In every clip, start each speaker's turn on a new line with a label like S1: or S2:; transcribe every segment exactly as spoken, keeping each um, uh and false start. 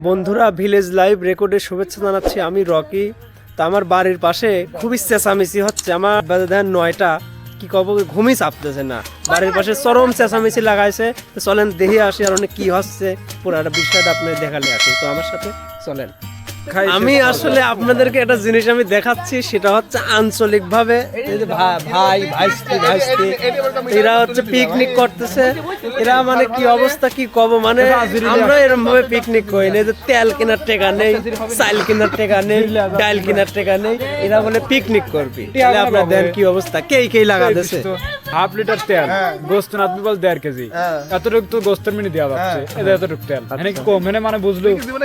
S1: বন্ধুরা village live রেকর্ডের শুভেচ্ছা জানাচ্ছি। আমি রকি। তা আমার বাড়ির পাশে খুবই চেঁচামেচি হচ্ছে। আমার দেখেন নয়টা কি কব ঘুমই চাপতেছে না, বাড়ির পাশে চরম চেঁচামেচি লাগাইছে। তো চলেন দেখে আসি আর অনেক কি হচ্ছে পুরাটা বিষয়টা আপনার দেখালে আসি। তো আমার সাথে চলেন। আমি আসলে আপনাদেরকে একটা জিনিস আমি দেখাচ্ছি, সেটা হচ্ছে আঞ্চলিক ভাবে ভাই ভাইস্তি ভাইস্তি এরা হচ্ছে পিকনিক করতেছে। এরা মানে কি অবস্থা কি কব, মানে আমরা এরকম ভাবে পিকনিক করি না যে তেল কেনার টাকা নেই, চাল কেনার টাকা নেই, ডাল কেনার টাকা নেই, এরা বলে পিকনিক করবি। আপনার দেন কি অবস্থা, কে কে লাগাতেছে
S2: হাফ লিটার তেল, গোস্ত না তুমি বল দেড় কেজি, এতটুকু তো গোস্তের মিনি দেওয়া যাচ্ছে, এটা এতটুকু তেল এনে কি কম, এনে মানে বুঝলো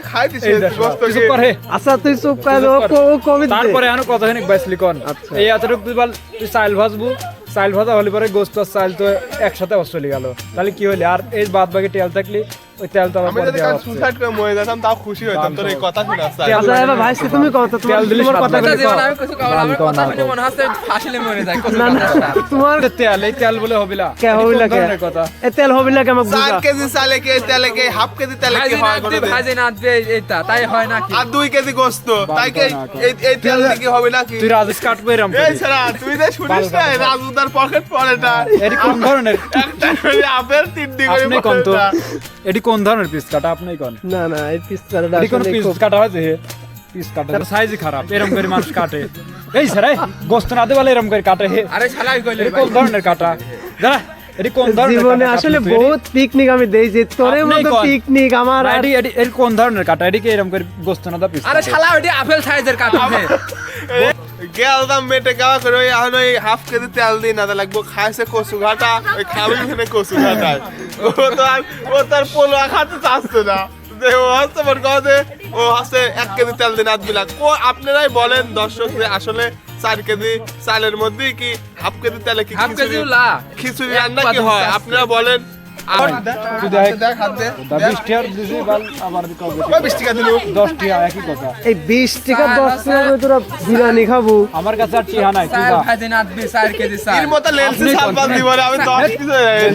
S1: আচ্ছা তুই চুপ কর,
S2: তারপরে আনো কতখানি বাইসলি কন এই এতটুকু তুই বল তুই চাল ভাজবো, চাল ভাজা হলে পরে গোস্ত আর চাল তো একসাথে চলে গেল, তাহলে কি হইলে আর এই বাদ বাকি তেল থাকলি ওই তেল তো আবার দেওয়া হচ্ছে।
S3: সুসাইড করে মরে যেতাম তাও খুশি হইতাম তোর এই কথা শুনে।
S1: আচ্ছা এবার ভাই তুমি কত তোমার তোমার কথা বলে
S4: জীবন আমি কিছু কও আমার কথা শুনে মনে হচ্ছে ফাঁসিলে মরে যায় কত
S1: না না তোমার
S2: তেল এই তেল বলে হবিলা
S1: কে হবিলা কে
S2: কথা
S1: এই তেল হবিলা কে আমাকে বুঝা
S3: চার কেজি চালে কে তেলে কে হাফ কেজি তেলে কি হয় করে দে
S4: ভাজি না দে এইটা তাই হয় নাকি
S3: আর দুই কেজি গোশত তাই কি এই এই তেল কি হবে নাকি?
S2: তুই রাজেশ কাটবো এরকম
S3: এই ছাড়া তুই যে শুনিস না রাজুদার পকেট পড়েটা
S2: এটি কোন ধরনের
S3: একটা করে আপেল তিন দিন করে
S2: আপনি কোন তো এটি কোন ধরনের পিস কাটা আপনিই কোন?
S1: না না এই পিস কাটা
S2: এটি কোন পিস কাটা হয় যে পিস কাটা সাইজই খারাপ, এরকম করে মানুষ কাটে এই স্যার এই গোস্ত না দে বলে এরকম করে কাটে।
S4: আরে শালা কইলে
S2: এটি কোন ধরনের কাটা দাঁড়া, এটি কোন ধরনের
S1: জীবনে আসলে বহুত পিকনিক আমি দেইছি, তোরে মতো পিকনিক আমার আর
S2: এটি এটি এর কোন ধরনের কাটা, এটি কি এরকম করে গোস্ত না দা পিস?
S4: আরে শালা ওইটা আপেল সাইজের কাটা
S3: গেলদাম মেটে গাওয়া করে ওই এখন ওই হাফ কেজি তেল দিই না লাগবো খাইছে কচু ঘাটা ওই খাবি মানে কচু ঘাটায় ও তো আর ও তার পোলো খাতে চাচ্ছে না যে ও হচ্ছে মনে কথা যে ও হচ্ছে এক কেজি তেল দিন আধ বিলাক। ও আপনারাই বলেন দর্শক যে আসলে চার কেজি চালের মধ্যে কি হাফ কেজি তেলে কি
S4: হাফ কেজি
S3: খিচুড়ি
S4: লা
S3: খিচুড়ি রান্না কি হয় আপনারা বলেন। আর
S2: তুই দেখ
S3: দেখ হাত দে
S2: বিশ টাকার দিছি বল আবার কবে
S3: ওই বিশ টাকা দিলু
S2: দশ টাকা একই কথা।
S1: এই বিশ টাকা দশ টাকা করে তোরা বিরিয়ানি খাবো।
S2: আমার কাছে আর টিহা নাই, তুই
S4: চার
S2: যা
S4: ভাজি না দে চার কেজি চাল
S3: এর মতো লেন্সে সাবান দিব না আমি দশ কেজি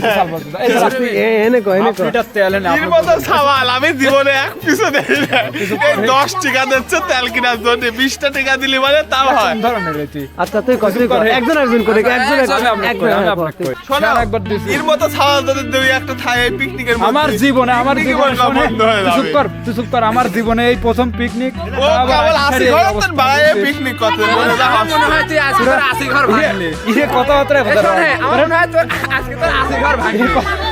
S2: এই দাঁড়া, তুই
S1: এ এনে কই এনে
S2: হাফ
S1: কই
S2: লিটার তেল এনে
S3: এর
S2: আপনি
S3: মতো সাবাল আমি জীবনে এক পিসও দেই না। এই দশ টাকা দিচ্ছে তেল কেনার জন্য বিশটা টাকা দিলি মানে তাও হয়।
S2: কোন ধরনের এটি?
S1: আচ্ছা তুই কত কর একজন একজন করে একজন
S2: আমি
S1: একজন
S2: আপনাকে কই, আমি আপনাকে কই।
S3: শোনো
S2: স্যার একবার দিছি।
S3: এর মতো সাবাল যদি দুই একটা থাকে পিকনিকের মধ্যে
S2: আমার জীবনে আমার
S3: পিকনিক
S2: জীবনে
S3: বন্ধ
S2: শোনে,
S3: হয়ে
S2: তুই চুপ
S3: যাবে।
S2: কর তুই চুপ কর, আমার জীবনে এই প্রথম পিকনিক।
S3: ও কেবল আসি ঘর বাড়ায় পিকনিক করতে বলে যা
S4: আমার মনে হয় তুই আজকে তোর আশি ঘর ভাঙলি
S2: ইহে কথা হতরে কথা
S4: শোনে আমার মনে হয় তোর আজকে তোর আশি ঘর ভাঙলি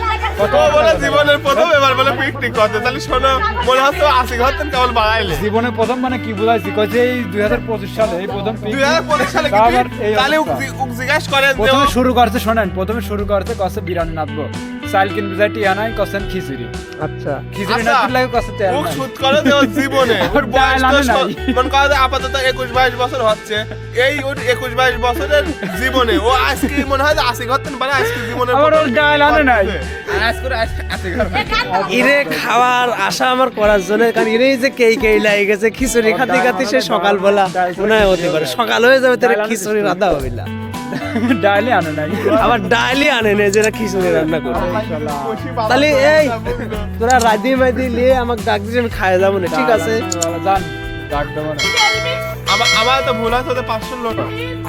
S3: ও বলে জীবনের প্রথম এবার বলে পিকনিক করতে, তাহলে শোনো মনে হচ্ছে আসি ঘর তেন কেবল বাড়াইলে
S2: জীবনে প্রথম মানে কি বুঝাইছি কইছে এই দুই হাজার পঁচিশ সালে এই প্রথম
S3: দুই
S2: পিকনিক।
S3: হাজার পঁচিশ সালে কি
S2: আবার এই
S3: তাহলে
S2: অবস্থা।
S3: উক জিজ্ঞাসা করেন যে
S2: প্রথমে
S3: ও-
S2: শুরু করতে শোনেন, প্রথমে শুরু করতে কসে বিরিয়ানি নাচবো, চাল কিনবে যাই টিয়া নাই কসেন খিচুড়ি,
S1: আচ্ছা
S2: খিচুড়ি
S3: আচ্ছা,
S2: নাচতে লাগে কসে তেল
S3: মুখ
S2: নাই।
S3: শুট করে যে ওর জীবনে ওর বয়স
S2: ডাল
S3: তো
S2: আনে নাই।
S3: স- মনে করে যে আপাতত একুশ বাইশ বছর হচ্ছে, এই ওর একুশ বাইশ বছরের জীবনে ও আজকে মনে হয় যে আশি ঘর তেন মানে আজকে জীবনের
S2: আবার
S3: প্রথম
S2: ওর ডাল আনে নাই।
S4: আর আজকে তোর আশি ঘর ভাঙলি
S1: ইরে খাওয়ার আশা আমার করার জন্য, কারণ ইরেই যে কেই কেই লাগে গেছে খিচুড়ি খাতে খাতে সে সকালবেলা মনে হয় হতে পারে সকাল হয়ে যাবে তোর খিচুড়ি রান্না হবে না,
S2: ডালে আনে নাই।
S1: আবার ডালি আনে নে যেটা খিচুড়ি রান্না করবে। তাহলে এই তোরা রাজি মাইদি নিয়ে আমাকে ডাক দিস, আমি খাই যাবো না, ঠিক আছে?
S2: জান ডাক দেবো না।
S3: আমার আমার তো ভুল আছে পাঁচশো লোক